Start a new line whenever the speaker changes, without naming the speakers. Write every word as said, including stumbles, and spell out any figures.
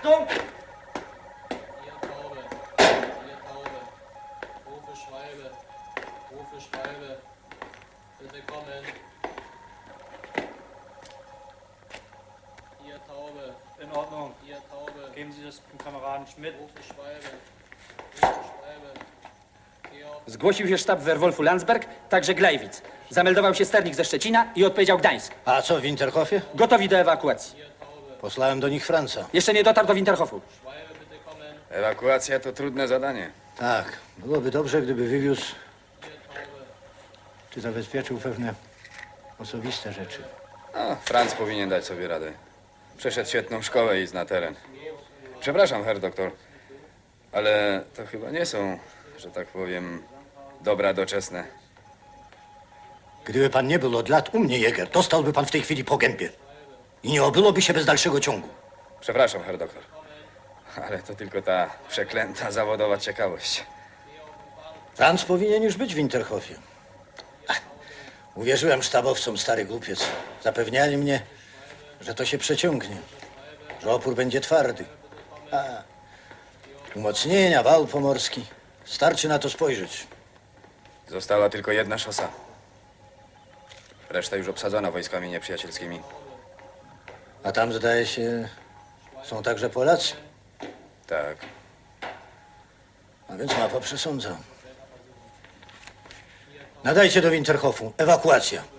Achtung!
Hier Taube, hier Taube. Rufe Schwalbe, rufe Schwalbe. Bitte kommen. Hier Taube,
In Ordnung.
hier Taube.
Geben Sie das dem Kameraden Schmidt.
Rufe Schwalbe, rufe Schwalbe. Georg,
Zgłosił się sztab Werwolfu Landsberg, także Glejwic. Zameldował się sternik ze Szczecina i odpowiedział Gdańsk.
A co w Winterhofie?
Gotowi do ewakuacji.
Posłałem do nich Franca.
Jeszcze nie dotarł do Winterhofu.
Schwalbe, bitte kommen.
Ewakuacja to trudne zadanie.
Tak, byłoby dobrze, gdyby wywiózł czy zabezpieczył pewne osobiste rzeczy.
No, Franz powinien dać sobie radę. Przeszedł świetną szkołę i zna teren. Przepraszam, herr doktor, ale to chyba nie są, że tak powiem, dobra doczesne.
Gdyby pan nie był od lat u mnie, Jäger, dostałby pan w tej chwili po gębie. I nie obyłoby się bez dalszego ciągu.
Przepraszam, herr doktor, ale to tylko ta przeklęta zawodowa ciekawość.
Franz powinien już być w Winterhofie. Ach, uwierzyłem sztabowcom, stary głupiec. Zapewniali mnie, że to się przeciągnie, że opór będzie twardy. A, umocnienia, wał pomorski. Starczy na to spojrzeć.
Została tylko jedna szosa. Reszta już obsadzona wojskami nieprzyjacielskimi.
A tam, zdaje się, są także Polacy.
Tak.
A więc mapa przesądza. Nadajcie do Winterhofu. Ewakuacja.